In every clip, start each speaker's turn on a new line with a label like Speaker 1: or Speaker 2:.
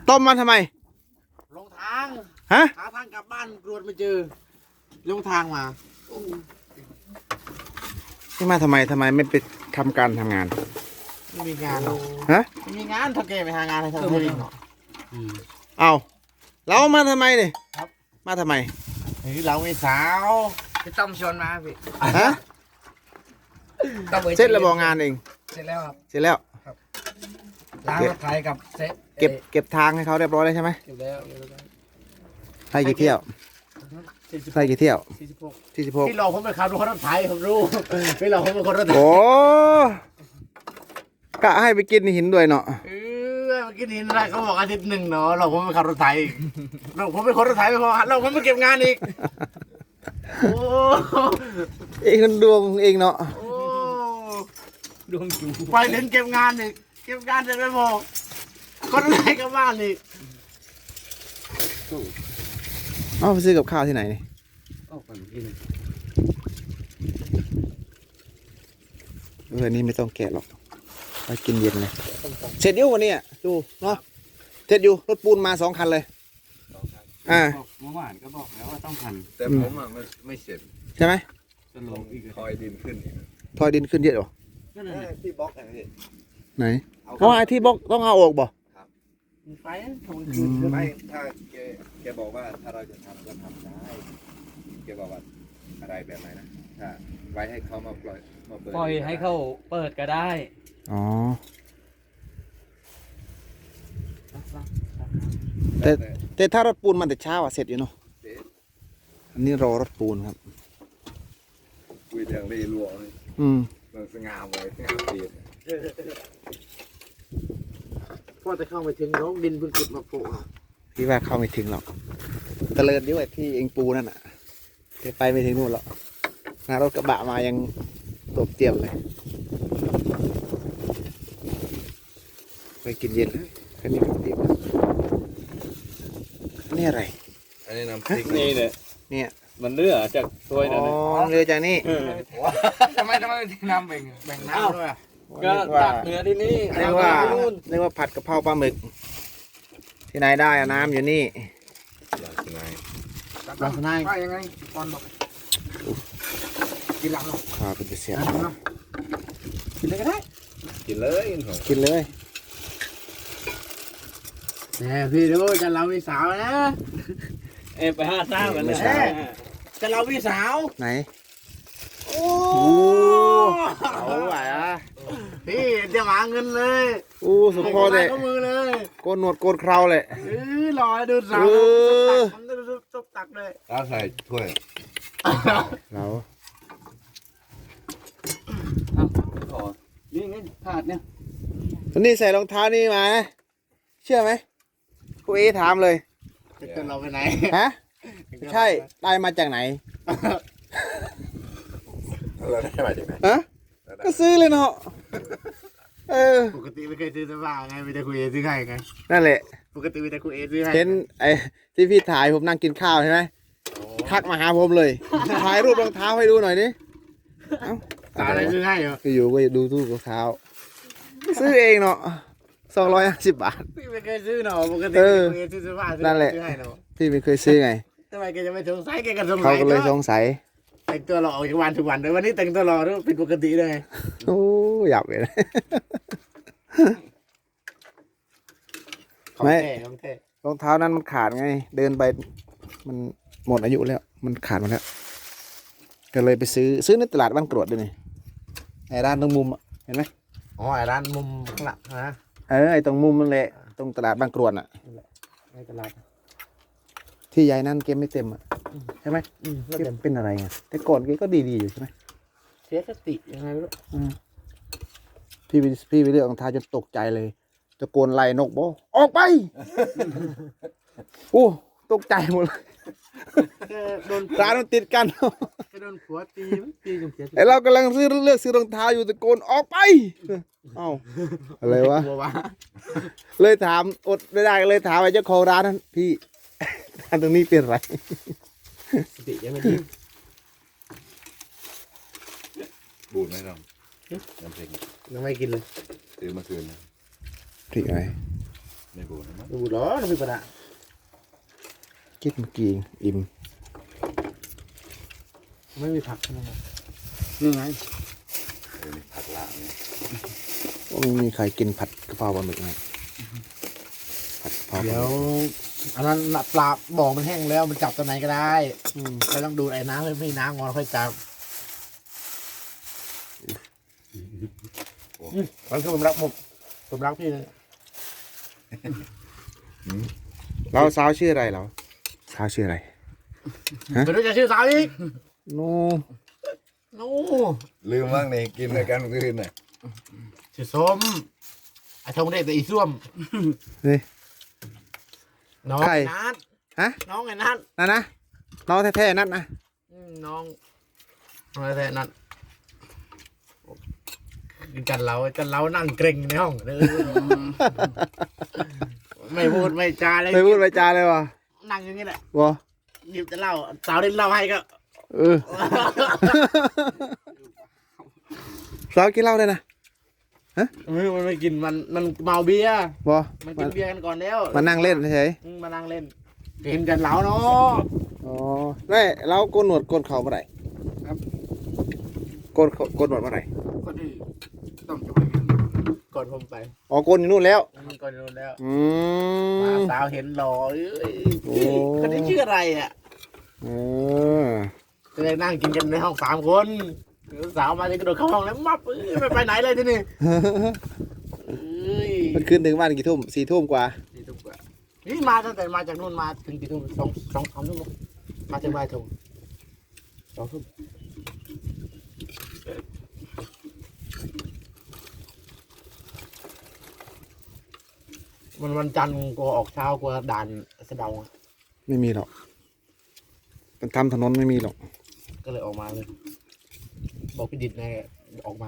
Speaker 1: ต้มมาทำไม
Speaker 2: ลงทาง
Speaker 1: ฮะ
Speaker 2: หาทางกลับบ้านรวดไม่เจอลงทางมา
Speaker 1: นี่มาทำไมไม่ไปทำการทำงาน
Speaker 2: ไม่มีงานหรอก
Speaker 1: ฮะ
Speaker 2: ไม่มีงานเท่าแกไปหางานให้ทำให้ลิงหรอก
Speaker 1: เอาเรามาทำไมเนี่ย
Speaker 2: ครับ
Speaker 1: มาทำไม
Speaker 2: นี่เราไม่สาว
Speaker 3: พี่ต้อมชวนมาพี่
Speaker 1: ฮะ
Speaker 3: ต้อมอ้ย
Speaker 1: เสร็จแล้วบอกงานเอง
Speaker 3: เสร็จแล้วครับ
Speaker 1: เสร็จแล้ว
Speaker 3: ล้างรถไถกับเซ็ต
Speaker 1: เก็บทางให้เขาเรียบร้อยแล้วใช่ไหม
Speaker 3: เก็บแล้วเก็บแล้ว
Speaker 1: ให้กี่เที่ยวให้กี่เที่ยว
Speaker 3: 46
Speaker 1: 46
Speaker 2: พี่หลอกผมเป็นขับรถไถผมรู้พี่หลอกผมเป็นคนรถไถ
Speaker 1: โอ้กะให้ไปกินหินด้วยเนาะ
Speaker 2: เมื่อกี้นี้นะเขาบอกอาทิตย์หนึ่งเนาะหลอกผมเป็นขับรถไถอีกหลอกผมเป็นคนรถไถไม่พอหลอกผมไปเก็บงานอีกโอ้
Speaker 1: เองมันดวงของเองเนาะ
Speaker 2: โอ้
Speaker 3: ดวงจู
Speaker 2: ไปถึงเก็บงานอีกเก็บงานเสร็จไม่พอคนรถไถกลับบ้านอีก
Speaker 1: เอาไปซื้อกับข้าวที่ไหนนี่
Speaker 3: ออกไปกิน
Speaker 1: นี่ไม่ต้องแกะหรอกไปกินเย็นเลยเสร็จอยู่วันนี้อ่ะดูเนาะเสร็จอยู่รถปูนมา2 คันเลยอ่า
Speaker 3: เมื่อวานก็บอกแล้วว่าต้องพัน
Speaker 4: แต่ผมอ่ะไม่เสร็จ
Speaker 1: ใช่ไหม
Speaker 3: จะลงอีก
Speaker 4: คอยดินขึ้นอีก
Speaker 1: ทอยดินขึ้นเยอะเหรอ
Speaker 3: นั่นแหละ
Speaker 4: ที่บล็อกอะไรนี่
Speaker 1: ไหนเพราะว่าไอ้ที่บล็อกต้องเอาออกบ่
Speaker 3: ไปทง
Speaker 1: อืม
Speaker 4: ไม่ถ้าแกบอกว่าถ้าเราจะทำก็ทำได้แกบอกว่าอะไรแบบไหนนะถ้าไว้ให้เขามาปล่อยมาเปิด
Speaker 3: ปล่อยให้เขาเปิดก็ได้
Speaker 1: อ๋อ
Speaker 4: แต่
Speaker 1: แต่ถ้ารถปูนมันแต่เช้าอ่ะเสร็จอยู่เนาะ
Speaker 4: เด็ด
Speaker 1: อันนี้รอรถปูนครับ
Speaker 4: คุยเรื่องรีรัวเลย
Speaker 1: อืม
Speaker 4: มันสง่าเลยสง่าเปลี่ยน
Speaker 2: พ่อจะเข้าไปถึงน้องดินเพิ่งขุดมาโปะ
Speaker 1: พี่ว่าเข้าไม่ถึงหรอกตะเลิดด้วยที่เองปูนั่นอ่ะแกไปไม่ถึงนู่นหรอกนารถกระบะมายังตกเตียมเลยไปกินเย็นเลยแค่นี้ก็เตียมนี่อะไร
Speaker 4: อันนี้น้ำพริก
Speaker 3: นี่เลย
Speaker 1: เนี่ย
Speaker 3: มันเลือจากถ้วย
Speaker 1: อ๋
Speaker 3: นั่น
Speaker 1: อเรือจากนี่
Speaker 3: ทำไมน้ำแบ่ง
Speaker 2: แบ่งน้ำด้วยอะ
Speaker 3: ก็ตักเนื้อที่นี่
Speaker 1: เรียกว่าผัดกะเพราปลาหมึก ที่ไหนได้อะน้ำอยู่นี่
Speaker 2: ลักษณะ
Speaker 3: ว่ายังไงตอนบอกกินหลังหรอ
Speaker 1: ข้าวเป็นเสีย
Speaker 3: กินเลยก็ได้
Speaker 4: กินเลยผม
Speaker 1: กินเลย
Speaker 2: แต่พี่ดูจะเราพี่สาวนะ
Speaker 3: ไปหาซ่ามันเลย
Speaker 2: จะเราพี่สาว
Speaker 1: ไหน
Speaker 2: โอ้
Speaker 1: เอาไหวอ่ะ
Speaker 2: พี่จะหาเงินเลย
Speaker 1: อู้สุดพอเลย
Speaker 2: ก็มือเลย
Speaker 1: โกนหนวดโกนเคราเลย
Speaker 2: รอดูสาว มันจะซุบตักเลย
Speaker 4: แล้วใส่ถ้วย
Speaker 1: เรา
Speaker 3: ขอนี่ไงถาดเนี่ย
Speaker 1: วันนี้ใส่รองเท้านี่มานะเชื่อไหมครูเอถามเลย
Speaker 2: จะเกินเราไปไหน
Speaker 1: ฮะ ใช่ ได้มาจากไหน
Speaker 4: เราได้มาจากไหน
Speaker 1: ฮะ ก็ซื้อเลยเนาะ เออ
Speaker 2: ปกติไม่เคยซื้อเสื้อผ้าไงมีแต่คุยเอซื้อให้ไง
Speaker 1: นั่นแหละ
Speaker 2: ปกติมีแต่คุยเอซื้อให้
Speaker 1: เห็นไอ้ที่พี่ถ่ายผมนั่งกินข้าวใช่ไหม ทักมาหาผมเลย ถ่ายรูปรองเท้าให้ดูหน่อยดิเอ้า
Speaker 2: สาอะไรซื้อให้เหรอ
Speaker 1: อยู่ก็ดูรูปรองเท้า ซื้อเองเนาะ250 บาท
Speaker 2: พี่ไม่เคยซื้อเนาะปกติ
Speaker 1: เออ
Speaker 2: คุยเอซื้อเสื้อผ้าซื้อ
Speaker 1: นั่นแหละ
Speaker 2: ซื้อให้เนาะ
Speaker 1: พี่ไม่เคยซื้อไง
Speaker 2: ทำไมแกจะไม่สงสัยแกก็สงสั
Speaker 1: เขา
Speaker 2: ย
Speaker 1: ก็เลยสงสัย
Speaker 2: แต่งตัวหล่อออกจากวันทุกวันเลยวันนี้แต่งตัวหล่อด้วยผิดปกติเลยไง
Speaker 1: โอ้อยากเลยนะ
Speaker 2: ของ
Speaker 1: ไม่
Speaker 2: แท้ของแท้
Speaker 1: รองเท้านั้นมันขาดไง เดินไปมันหมดอายุแล้ว มันขาดหมดแล้ว ก็เลยไปซื้อในตลาดบ้านกรวดด้วยนี่ไอ้ร้านตรงมุมอะเห็นไหม
Speaker 2: อ๋อไอ้ร้านมุมข้างหลังนะ
Speaker 1: ไอ้ตรงมุมนั่นแหละตรงตลาดบางกรวดอ่ะ
Speaker 2: ในตลาด
Speaker 1: ที่ยายนั่นเกมไม่เต็มอ่ะใช่ไหม
Speaker 2: แล้ว
Speaker 1: เก
Speaker 2: เดี๋ย
Speaker 1: ม
Speaker 2: ว
Speaker 1: เป็นอะไรไงแต่ก่อนเกมก็ดีๆอยู่ใช่ไหม
Speaker 2: เสียสติยังไงไม่รู้
Speaker 1: พี่ไปเลือกรองเท้าจนตกใจเลยตะโกนไล่นกบอกออกไป โอ้ตกใจหมดเลย
Speaker 2: แกโดน
Speaker 1: ร้านมันติดกัน
Speaker 2: แกโดนผัวตีมั้งตีจนเสียสติ
Speaker 1: ไอเรากำลังเลือกซื้อรองเท้าอยู่ตะโกนออกไปเอ้าอะไรวะ
Speaker 2: กลัววะ
Speaker 1: เลยถามอดไม่ได้เลยถามไอ้เจ้าของร้านนั้นพี่ ร้านตรงนี้เป็นไร
Speaker 2: สติยังไม่ดี
Speaker 4: บูดไหมน้องน้ำพริก
Speaker 2: ยังไม่กินเลย
Speaker 4: ซื้อมาคืนนะ
Speaker 1: พริกอะไร
Speaker 4: ไม่บูดนะมั้ง
Speaker 2: ดูเหรอน้ำพริกปลาร้า
Speaker 1: คิดเมื่อกี้อิ่ม
Speaker 2: ไม่มีผักใช่ไหมครับ
Speaker 3: นี่ไง
Speaker 4: นี่ผักลาบเนี่ย
Speaker 1: ไม่มีใครกินผัดกะเพราปลาหมึกไงผัดกะเพราปลาห
Speaker 2: เดี๋
Speaker 1: มึ
Speaker 2: ยว
Speaker 1: ก
Speaker 2: อันนั้นน่ะปลาบ่อมันแห้งแล้วมันจับตัวไหนก็ได้
Speaker 1: อืม
Speaker 2: ไม่ต้องดูดไอ้น้ำไม่น้ำงอนค่อยจับมันคือผมรักพี่เลย
Speaker 1: เราสาวชื่ออะไรเราสาวชื่ออะไร
Speaker 2: ไม่รู้จะชื่อสาวอีก
Speaker 1: โน
Speaker 2: โน้
Speaker 4: ลืมบ้างนี่กินด้วยกันเมื่อคืนน่ะ
Speaker 2: ชื่อส้มไอ้ทงเด็กแต่อีส้วม
Speaker 1: เฮ้ย
Speaker 2: น้อง
Speaker 1: ใคร
Speaker 2: ไอ้นัท
Speaker 1: ฮะ
Speaker 2: น้องไอ้นัท
Speaker 1: นั่นนะน้องแท้ๆนั่นนะ
Speaker 2: น้องอะไรแต่นัทจันเรานั่งเกรงในห้องเลยไม่พูดไม่จาเลย
Speaker 1: ไม่พูดไม่จาเลยวะ
Speaker 2: นั่งอย่างนี้แหละ
Speaker 1: วะ
Speaker 2: หยิบจะเล่าสาวเล่นเล่าให้ก็
Speaker 1: เออสาวกินเหล้าเลยนะ
Speaker 2: มันไม่กินมันเมาเบียร์
Speaker 1: วะ
Speaker 2: มันกินเบียร์กันก่อนแล้ว
Speaker 1: มานั่งเล่นเฉย
Speaker 2: มานั่งเล่นเห็นกันเหลาเนาะ
Speaker 1: อ๋อไม่เราโกนหนวดโกนเข่าเมื่อไหร่ครับโกนหนวดเมื่อไหร่
Speaker 3: คนที่ต้องจะไปกัน
Speaker 2: ก่อนผมไป
Speaker 1: อ๋อโกนอยู่นู่นแล้ว
Speaker 2: ก่อนนู้นแล้ว
Speaker 1: อื
Speaker 2: มาม สาวเห็นหล่อเอ้ย
Speaker 1: โอ้
Speaker 2: คนนี้ชื่ออะไรอ่ะ
Speaker 1: เออ
Speaker 2: ก็เลยนั่งกินกันในห้อง3 คนสาวมาจะกระโดดเข้าห้องแล้วมับไม่ไปไหนเลยที่นี่เอ้ย
Speaker 1: มันคืนถึงบ้านกี่ทุ่ม4 ทุ่มกว่า
Speaker 3: ที่ทุกว่า
Speaker 2: นี่มาตั้งแต่มาจากนู่นมาถึงกี่ทุ่มสองทุ่มมาถึงบ่ายทุ่ม2 ทุ่มวันจันทร์กลัวออกเช้ากลัวด่านสะเดา
Speaker 1: ไม่มีหรอกมันทำถนนไม่มีหรอก
Speaker 2: ก็เลยออกมาเลย บอกพี่ดิดไงออกมา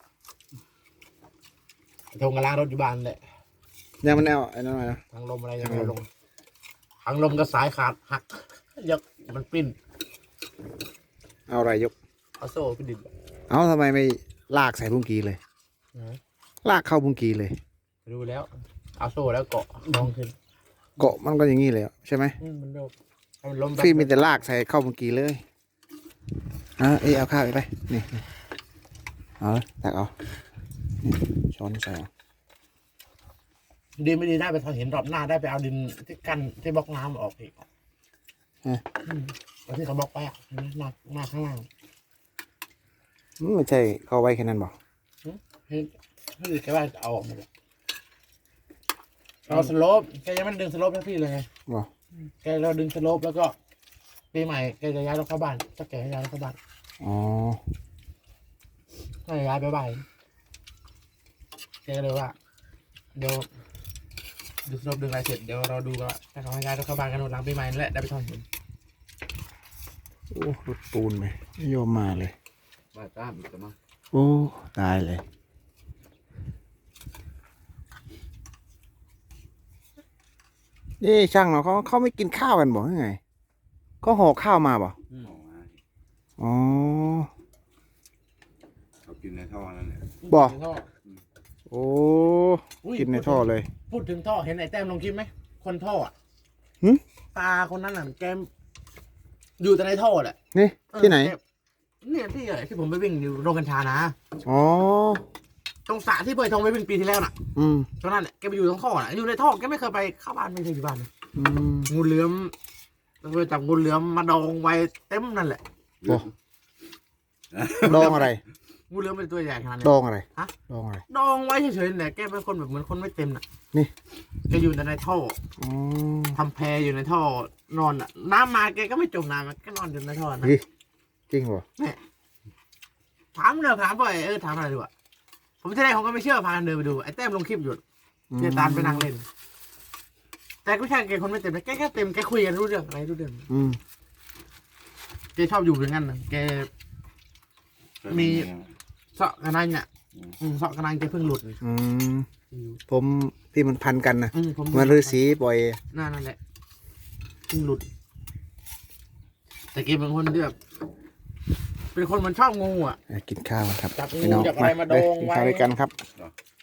Speaker 2: ทงกระล้างรถอยู่บ้านแหละ
Speaker 1: เนี่ยมันแนวไอ้นั่นหน่อยนะ
Speaker 2: ทางลมอะไรยังไงลงทางลมก็สายขาดหักยกมันปิ้น
Speaker 1: เอาอะไรยก
Speaker 2: เอาโซ่พี่ดิด
Speaker 1: เอาทำไมไม่ลากใส่บุ้งกีเลย ลากเข้าบุ้งกีเลย
Speaker 2: ดูแล้ว เอาโซ่แล้วเกาะลองขึ้น
Speaker 1: เกาะมันก็อย่างนี้เลยใช่ไหม
Speaker 2: มันโดนมันล้ม
Speaker 1: พี่มีแต่ลากใส่เข้าบุ้งกีเลยเอาข้าวไปนี่เอาเลยตักเอานี่ช้อนใส่เอา
Speaker 2: ดีไม่ดีได้ไปทอนเห็นรอบหน้าได้ไปเอาดินที่กั้นที่บล็อกน้ำออกอีกแล้วที่เขาบล็อกไปอ่ะหน้าข้างล่าง
Speaker 1: ไม่ใช่เข้าไว้แค่นั้นบอก
Speaker 2: ให้แกว่าเอาออกมาเลยเราสโลปแกยังไม่ดึงสโลปให้พี่เลยไง
Speaker 1: บอก
Speaker 2: แกเราดึงสโลปแล้วก็ปีใหม่แกจะย้ายรถเข้าบ้านถ้าแกให้ย้ายรถเข้าบ้าน
Speaker 1: อ๋อ
Speaker 2: ก็ย้ายไปบ้านแกก็เลยว่า เดี๋ยวดูสโลปดึงอะไรเสร็จเดี๋ยวเราดูกันว่าถ้าเขาให้ย้ายรถเข้าบ้านกันหลังปีใหม่นั่นแหละได้ไปทอนเห็น
Speaker 1: โอ้รถปูนไปไม่ยอมมาเลย
Speaker 3: บ้าจ้ามอีกแล้วมั้ง
Speaker 1: โอ้ตายเลยนี่ช่างเนาะเขาไม่กินข้าวกันบอกยังไงก็ห่อข้าวมาบอก
Speaker 4: ออกมา
Speaker 1: อ๋อ
Speaker 4: เขากินในท่อนั่นแหละ
Speaker 1: บอก
Speaker 2: ถึงท่อ
Speaker 1: โอ้
Speaker 2: อุ้ย
Speaker 1: กินในท่อเลย
Speaker 2: พูดถึงท่อเห็นไอ้แต้มลงคลิปไหมคนท่ออ่ะ
Speaker 1: หึ
Speaker 2: ตาคนนั้นน่ะแกอยู่แต่ในท่อแหละ
Speaker 1: นี่ที่ไหน
Speaker 2: เนี่ยที่ผมไปวิ่งอยู่โรงกัญชานะ
Speaker 1: อ๋อ
Speaker 2: ตรงสระที่เปิดทงไปวิ่งปีที่แล้วน่ะ
Speaker 1: อืม
Speaker 2: ตรงนั้นแหละแกไปอยู่ตรงท่อน่ะอยู่ในท่อแกไม่เคยไปเข้าบ้านไม่เคยอยู่บ้านเลย
Speaker 1: อืม
Speaker 2: งูเหลือมเราไปจับงูเหลือมมาดองไว้เต็มนั่นแหละ
Speaker 1: โอ้ดองอะไร
Speaker 2: งูเหลือมเป็นตัวใหญ่ขนาดนี้
Speaker 1: ดองอะไร
Speaker 2: ฮะ
Speaker 1: ดองอะไร
Speaker 2: ดองไว้เฉยๆเนี่ยแกเป็นคนแบบเหมือนคนไม่เต็มน่ะ
Speaker 1: นี่
Speaker 2: แกอยู่แต่ในท่อ
Speaker 1: อ๋อ
Speaker 2: ทำแพอยู่ในท่อนอนอ่ะน้ำมาแกก็ไม่จมน้ำแกนอนอยู่ในท่อนะ
Speaker 1: นี่จริงเหรอ
Speaker 2: ถามเลยถามบ่อยถามอะไรดูอ่ะผมที่แรกผมก็ไม่เชื่อพากันเดินไปดูไอ้แต้มลงคลิปอยู่เจตานไปนั่งเล่น แต่ก็ใช่แกคนไม่เต็มนะแกแค่เต็มแกคุยกันรู้เรื่องอะไรรู้เรื่อง
Speaker 1: อืม
Speaker 2: แกชอบอยู่อย่างนั้นนะแก มีเสาะกระนังเนี่ยเสาะกระนังแกเพิ่งหลุด
Speaker 1: อืมผมที่มันพันกันนะ
Speaker 2: ผม
Speaker 1: เหมันฤาษีปล่อย
Speaker 2: นั่นแหละเพิ่งหลุด แต่แกเป็นคนที่แบบเป็นคนมันชอบงูอ่ะ
Speaker 1: กินข้าวกันครับ
Speaker 2: จับงู
Speaker 1: พี่น้อง
Speaker 2: จับอะไรมาดอง
Speaker 1: กิน
Speaker 2: ไว้
Speaker 1: ข้าวด้วยกันครับ